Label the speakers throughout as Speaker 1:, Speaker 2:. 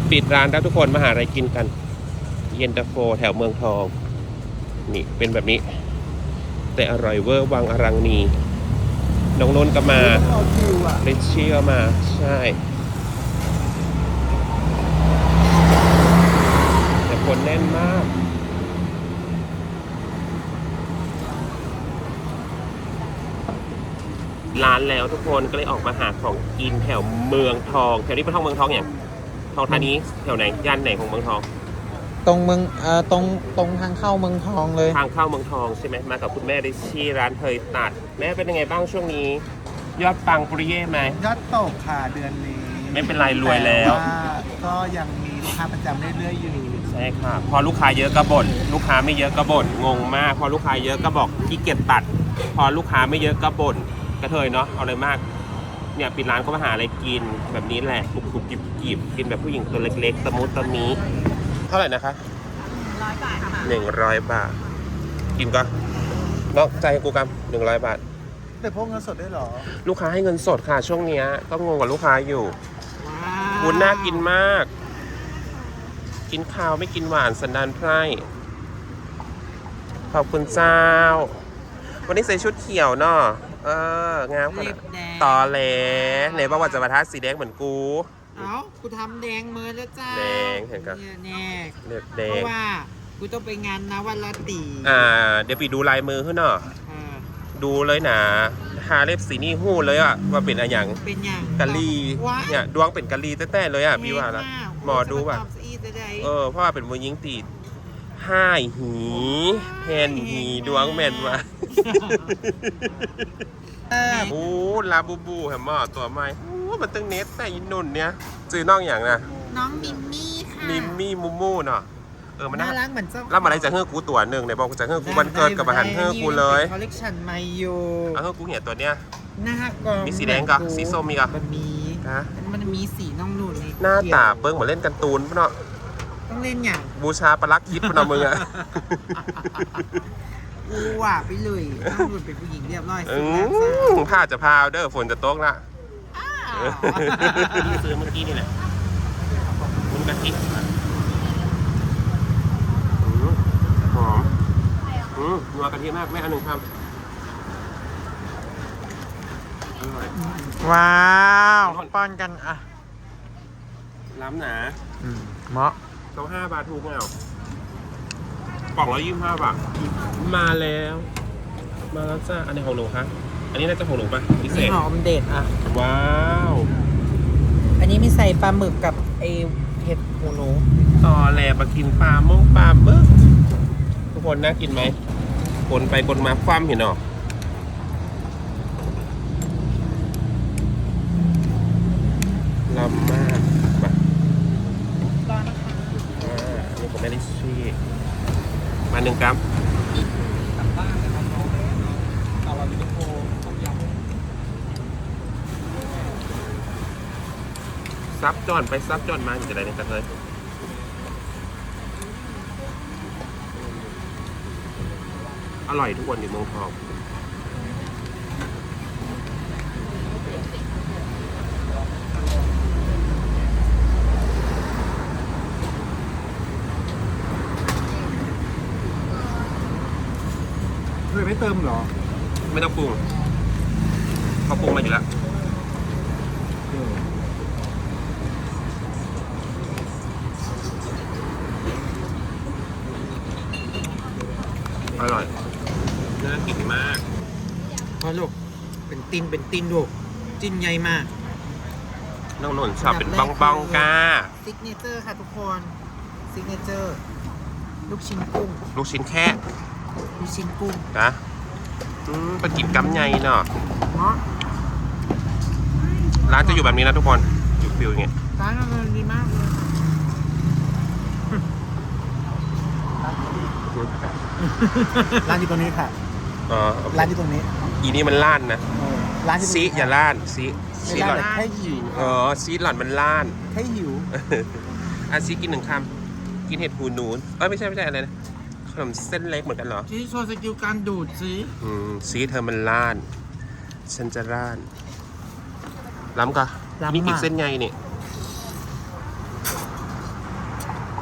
Speaker 1: ปิดร้านแล้วทุกคนมาหาอะไรกินกันเย็นตาโฟแถวเมืองทองนี่เป็นแบบนี้แต่อร่อยเวอร์วังอรังนีน้องนนท์ก็มาเรชชี่ก็มาใช่แต่คนแน่นมากร้านแล้วทุกคนก็เลยออกมาหาของกินแถวเมืองทองแถวนี้เป็นทองเมืองทองอย่างทองธานีแถวไหนย่านไหนของเมืองทอง
Speaker 2: ตรงเมืองตรงทางเข้าเมืองทองเลย
Speaker 1: ทางเข้าเมืองทองใช่ไหมมากับคุณแม่ได้ชี่ร้านเฮยตัดแม่เป็นยังไงบ้างช่วงนี้ยอดปังปริเย่ไหม
Speaker 3: ยอดตกค่ะเดือนนี้
Speaker 1: ไม่เป็นไรรวยแล้ว
Speaker 3: ก็ยังมีลูกค้าประจำเรื่อยๆอยู่
Speaker 1: ใช่ค่ะพอลูกค้าเยอะก็บ่นลูกค้าไม่เยอะก็บ่นงงมากพอลูกค้าเยอะก็บอกขี้เกียจตัดพอลูกค้าไม่เยอะก็บ่นกระเทยเนาะเอาเลยมากเนี่ยปิดร้านก็มาหาอะไรกินแบบนี้แหละกรุบๆจิบๆกินแบบผู้หญิงตัวเล็กๆตะมุตะมีเท่าไหร่นะคะ
Speaker 4: 100 บาทค่ะ
Speaker 1: 100 บาทกินก็นอกใจกูกำ100 บาท
Speaker 3: แต่พวกเงินสดได้หรอ
Speaker 1: ลูกค้าให้เงินสดค่ะช่วงนี้ก็งงกับลูกค้าอยู่วุ้นน่ากินมากกินข้าวไม่กินหวานสันดานไพร่ขอบคุณเจ้าวันนี้ใส่ชุดเขียวเนาะงามขนาดต่อแหลไหนบอกว่าจะมาทัดสีแดงเหมือนกู
Speaker 4: กูทำแดงเมินแล้วจ้า
Speaker 1: แดงเห็นกัน
Speaker 4: แน่
Speaker 1: แดง
Speaker 4: เพราะว่ากูต้องไปงานนวัลตี
Speaker 1: เดี๋ยวไปดูลายมือขึ้นเนาะดูเลยนะหาเล็บสีนี่หู้เลยอะว่าเป็นอะไรอย่าง
Speaker 4: เป็นอย่าง
Speaker 1: กะลีเนี่ยดวงเป็นกะลีแต้ๆเลยอะพี่ว่าละหมอดูป่ะเพราะว่าเป็นมือยิงตีห้ายหีแผ่นหีดวงแม่นว่ะโอ้ลาบูบูแฮมหมอตัวใหม่โอ้มันตึงเน็ตแต่ยินนุ่นเนี่ยซื้อน้องอย่างนะ
Speaker 4: น้องมิมมี่ค่ะ
Speaker 1: มิมมี่มูมูเนาะ
Speaker 4: มันน่ารักเหมือนเจ้า
Speaker 1: แล้วมาอะไรจะเฮือกกูตัวหนึ่งไหนบอกจะเฮือกกูวันเกิดกับอาหารเฮือกกูเลย
Speaker 4: คอลเลคชันใหม่อยู่
Speaker 1: เฮือกกูเหี้ยตัวเนี้ย
Speaker 4: หน้ากอง
Speaker 1: มีสีแดงกับสีส้มมีกับ
Speaker 4: มันมีสีน้องนุ่น
Speaker 1: หน้าตาเบิ้งเหมือนเล่นกันตูนเนาะ
Speaker 4: ต้องเล่นอย่าง
Speaker 1: บูชาปลักคิดพนมมือ
Speaker 4: ว่าไปเลยน้องนุ่นเป็นผู้หญิงเรียบร้อย
Speaker 1: ผ้าจะพาวเด้อฝนจะตกละซื้อเมื่อกี้นี่แหละคุณกะทิหอมนัวกะทิมากไม่อันหนึ่งครับอร่อย
Speaker 2: ว้าวป้อนกันอ่ะ
Speaker 1: ล้ำหนา
Speaker 2: เหมาะ
Speaker 1: เขา5 บาทถูกไหมเอากล่อง125 บาทมาแล้วจ้าอันนี้ของหนูคะอันนี้น่าจะของหนูป่ะพิเศษ
Speaker 4: หอมเด็ดอ่ะ
Speaker 1: ว้าว
Speaker 4: อันนี้มีใส่ปลาหมึกกับไอเห็ดหูหนู
Speaker 1: ต่อแหลมากินปลาหมึกทุกคนน่ากินไหมคนไปคนมาคว่ำเห็นหรอล้ำมากมา
Speaker 4: ร้อนนะคะ
Speaker 1: นี่ผมไม่ได้ชี้มา1 กรัมซับจอนไปซับจอนมาอยู่จะได้ในกระเทยอร่อยทุกวันอยู่เมืองทอง
Speaker 3: เคยไม่เติมหรอ
Speaker 1: ไม่ต้องปรุงเขาปรุงมาอยู่แล้วอร่อยน่ากินมาก
Speaker 4: พอลูกเป็นตินลูกจิ้นใหญ่มาก
Speaker 1: น้องนนท์ชอบเป็นบ้องกา
Speaker 4: ซิกเนเจอร์ค่ะทุกคนซิกเนเจอร์ลูกชิ้นกุ้ง
Speaker 1: ลูกชิ้นแค่
Speaker 4: ลูกชิ้นกุ้ง
Speaker 1: นะเป็นกินกั๊มใหญ่เนาะร้านจะอยู่แบบนี้นะทุกคนอยู่ฟิวอย่างเงี้ย
Speaker 4: ร้านมันดีมากเลย
Speaker 3: ร้านอยู่ตรงนี้ค่ะร้านอยู่ตรงนี้
Speaker 1: อีนี่มันล้านนะ
Speaker 3: ร้าน
Speaker 1: ซีอย่าล้านซี
Speaker 3: หล่อนแค่หิว
Speaker 1: ซีหล่อนมันล้าน
Speaker 3: แค่หิว
Speaker 1: ซีกิน1 คำกินเห็ดหูหนูไม่ใช่อะไรนะขนมเส้นเล็กเหมือนกันเหรอ
Speaker 4: ที่โชว์สกิลการดูด
Speaker 1: ซีเธอมันล้านฉันจะล้านล้ำกะนี่กินเส้นไงนี่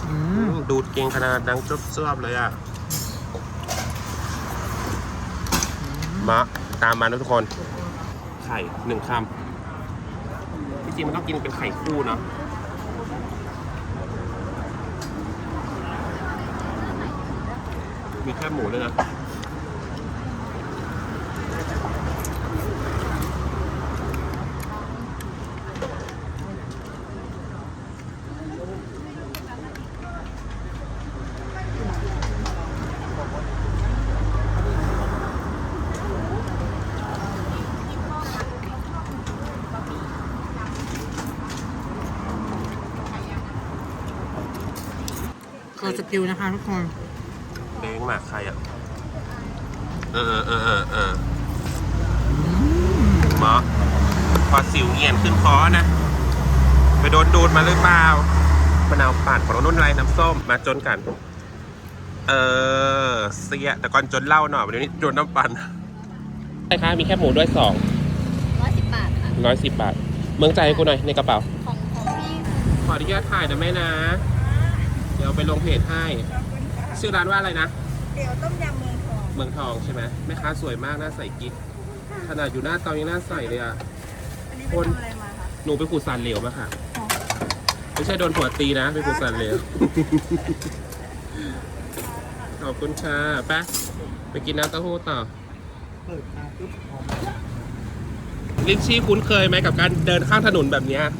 Speaker 1: ดูดเก่งขนาดดังจบๆเลยอ่ะมาตามมานะทุกคน ไข่1 คำที่จริงมันต้องกินเป็นไข่คู่เนาะมีแค่หมูด้วยนะ
Speaker 4: คือสกิลนะคะทุกคน
Speaker 1: เด้งหมากใครอ่ะหมอพอสิวเงียนขึ้นคอนะไปโดนดูดมาหรือเปล่ามะนาวปั่นของนุ่นไรน้ำส้มมาจนกันเสียแต่ก่อนจนเหล้าหน่อยวันนี้จนน้ำปั่นใช่คะมีแค่หมูด้วย2
Speaker 5: 110 บาทค่ะ
Speaker 1: 110 บาทเมืองใจให้กูหน่อยในกระเป๋า
Speaker 5: ของพี่
Speaker 1: ขออนุญาตถ่ายนะแม่นะเดี๋ยวไปลงเพจให้ชื่อร้านว่าอะไรนะ
Speaker 5: เดี๋ยวต้มยำเมืองทอง
Speaker 1: เมืองทองใช่ไหมแม่ค้าสวยมากหน้าใสกิ๊กขนาดอยู่หน้าเตายังหน้าใสเลยอ่ะ
Speaker 5: อันนี้ไปทำอะไรมาคะ
Speaker 1: หนูไปขูดสารเหลวมาค่ะไม่ใช่โดนผัวตีนะไปขูดสารเหลว ขอบคุณค่ะไปกินน้ำเต้าหู้ต่อ
Speaker 3: เปิดมาปุ๊บหอม
Speaker 1: ลิชชี่คุ้นเคยไหมกับการเดินข้างถนนแบบเนี้ย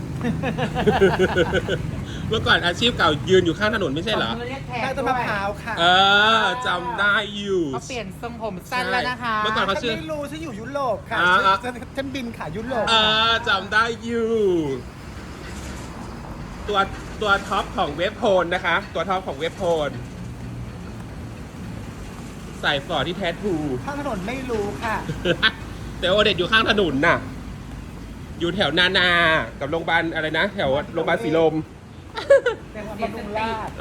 Speaker 1: เมื่อก่อนอาชีพเก่ายืนอยู่ข้างถนนไม่ใช่เหรอ
Speaker 3: ได้ต้นมะพร้าวค่ะ
Speaker 1: จำได้อยู่
Speaker 4: เขาเปลี่ยนทรงผมสั้นแล้วนะคะ
Speaker 1: เมื่อก่อนเขา
Speaker 3: ฉัน
Speaker 1: ชื่อ
Speaker 3: ไม่รู้ฉันอยู่ยุโรปค่ะ
Speaker 1: อ่า
Speaker 3: ฉันบินค่ะยุโรป
Speaker 1: จำได้อยู่ ตัวท็อปของเว็บโพลนะคะ ตัวท็อปของเว็บโพลใส่ฟอร์ที่แท้ทู
Speaker 3: ข้างถนนไม่รู้ค่ะ
Speaker 1: แต่โอเด็ดอยู่ข้างถนนน่ะ อยู่แถวนากับโรงพยาบาลอะไรนะ แถวโรงพยาบาลศรีลม
Speaker 3: ในวันบำรุงราษฎร์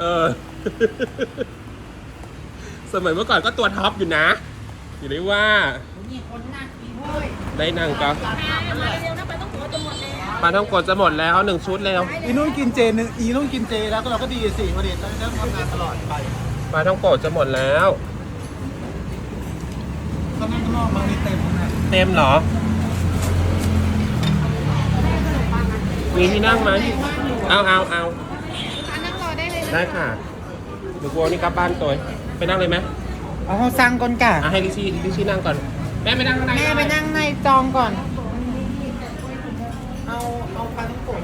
Speaker 1: สมัยเมื่อก่อนก็ตัวท็อปอยู่นะอยู่ได้ว่า
Speaker 4: มีคนหนักอีกเว้ย
Speaker 1: ได้นั่งก็
Speaker 5: มาเร็วนะไปต้องหัวจะหมดแล้ว
Speaker 1: ปลาท่องกดจะหมดแล้ว1 ชุดแล้ว
Speaker 3: อีนุ่นกินเจนึงอีนุ่นกินเจแล้วก็เราก็ดีสิวันเด็กเราจะทำงานตลอดไป
Speaker 1: ปลาท่องกดจะหมดแล้ว
Speaker 3: ก็นั่งข้างนอกบางทีเต็มนะ
Speaker 1: เต็มเหรอ มีที่นั่งไหมเอา
Speaker 5: นั่งรอได้เลยนะ
Speaker 1: ได้ค่ะเดี๋ยวกลัวนี่กลับบ้านตัวไปนั่งเลยไหม
Speaker 4: เอาเขาสั่งก่อนกะ
Speaker 1: ให้ลิชี่นั่งก่อน แม่ไปนั่งข้างใน
Speaker 4: แม่ไปนั่งในจองก่อน เอาปลาท้องโกะ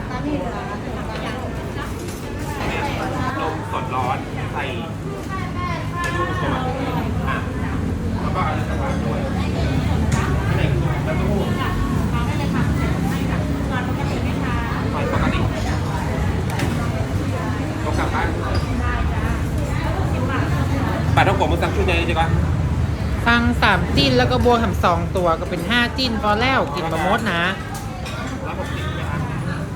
Speaker 1: นมสดร้อนใส่ลูกผสมอ่ะแล้วก็เอาเนื้อสัตว์ด้วยที่ไหนแล้วก็หูปกติต้องกลับบ้านปลาท่องโกะมึงสั่งชุดไหนดีกว่า
Speaker 4: สั่ง3 จิ้นแล้วก็บวกทำ2 ตัวก็เป็น5 จิ้นพอแล้วกินบะมดนะ
Speaker 1: 160ไหมครับ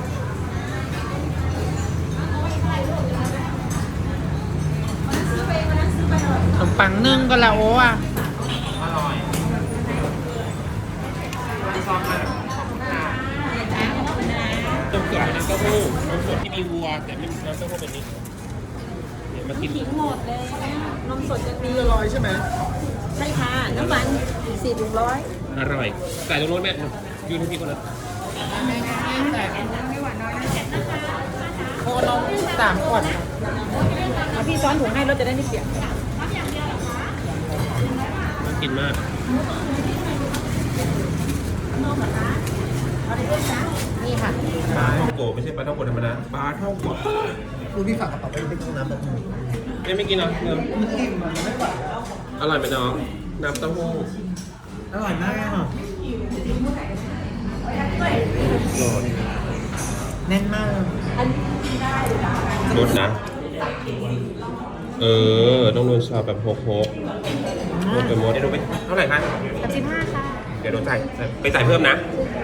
Speaker 4: ขนมปังนึ่งก็แล้วโอ้อะ
Speaker 1: อร่อยชอบมากต้มเกลือน้ำเต้าหู้นมสดที่มีวัวแต่ไม่มีน้ำเต้าหู้เป็นนี้เดี๋ยวมากิน
Speaker 5: หมดเลยนมสดจะมี
Speaker 3: อร่อยใช่ไหม
Speaker 5: ใช่ค่ะน้ำมัน400
Speaker 1: อร่อยใส่ตรงโน้นแม่ยืนให้พี่คนนั้น
Speaker 4: โคนม3 ขวด
Speaker 5: พี่ซ้อนถุงให้รถจะได้ไม่เปียก
Speaker 1: น่ากินมาก
Speaker 4: นี่ค่ะ
Speaker 1: ปลาท่องโกะไม่ใช่ปลาท่องโกะธรรมดาปลาท่องโกะ
Speaker 3: ดูพี่ฝากกระเป๋าไปกินน้ำแบบนี้
Speaker 1: ไม่กินเหรอ
Speaker 3: มันอิ่มมันไม่ไหว
Speaker 1: อร่อยไหมน้องน้ำเต้าหู้
Speaker 3: อร่อยมากอ่ะ
Speaker 1: โหลด
Speaker 4: แน่นมาก
Speaker 1: รสนะต้องนวลชอบแบบโฮกโฮกไปหมดเดี๋ยวดูไปเท่าไหร่คะ
Speaker 5: 35ค่ะ
Speaker 1: เดี๋ยวโดนจ่ายไปจ่ายเพิ่มนะ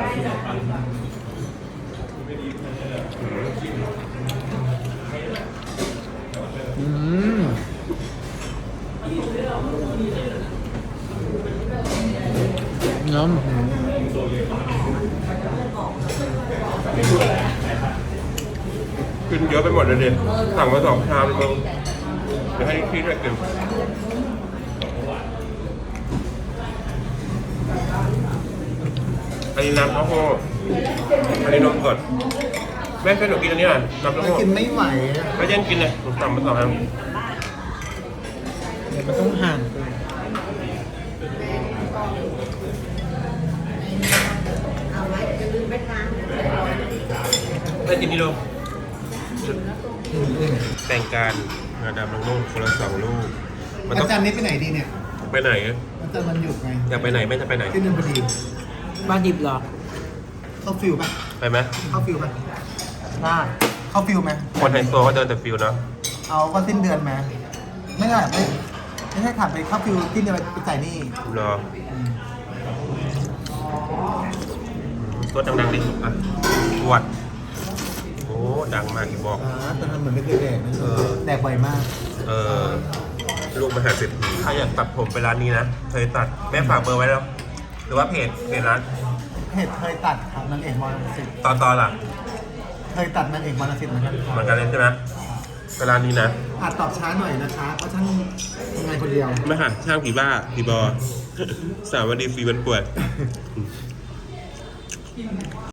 Speaker 2: น้ำ
Speaker 1: ขึ้นเยอะอะไปหมดเลยดิสั่งมา2 ชามเลยมึงเดี๋ยวให้พี่ด้วยกินอันนี้น้ำเต้าหู้อันนี้นมสดแม่ช่วยหนูกินอันนี้หน่อยน้ำเต้าหู้
Speaker 3: กินไม่ไหวอะ
Speaker 1: ไม่เย็นกินเลยหนูสั่งมา2 อัน
Speaker 2: เดี๋ยวมันต้องหั่น
Speaker 1: ได้กินนี่ดูแต่งการงาดำลงนุ่งคนละ2 ลูกมัน
Speaker 3: อา
Speaker 1: ต้อง
Speaker 3: จารย์นี้ไปไหนดีเนี่ย
Speaker 1: ไปไหน
Speaker 3: อาจารย์มันหยุดไง
Speaker 1: อยากไปไหนแม่จะไปไหน
Speaker 3: ที่นนทบุรี
Speaker 2: บ้านดิบเหรอ
Speaker 3: เข้าฟิลป่ะ
Speaker 1: ไปไหม
Speaker 3: เข้าฟิลป่ะ
Speaker 2: ได้
Speaker 3: เข้าฟิลไหม
Speaker 1: คนไฮโซก็เดินแต่ฟิลเนาะ
Speaker 3: เอาก็สิ้นเดือนไหมไม่ได้ไม่ใช่ขับไปเข้าฟิลสิ้นเดือนไปจ่ายหนี้
Speaker 1: รอตัวดังๆดิอ่ะปวดโอ้ดังมากอีบอก
Speaker 3: แต่ทำเหมือนไม่เคยแดกนะแดกบ่อยมาก
Speaker 1: ลูกมหาเศรษฐีใครอยากตัดผมไปร้านนี้นะเคยตัดแม่ฝากเบอร์ไว้แล้ว หรือว่าเพจร้าน
Speaker 3: เคยตัดครับนางเอกมอลสิทธิ์
Speaker 1: ตอนล่ะ
Speaker 3: เคยตัดนางเอกมอลสิทธิ์เหมือนกัน
Speaker 1: เหมือนกันเลยใช่ไหมไปร้านนี้นะ
Speaker 3: อาจตอบช้าหน่อยนะคะเพราะช่างทำงานคนเดียว
Speaker 1: ไม่ค่ะช่างผีบ้าผีบอ สาววันดีฟรีวันปวด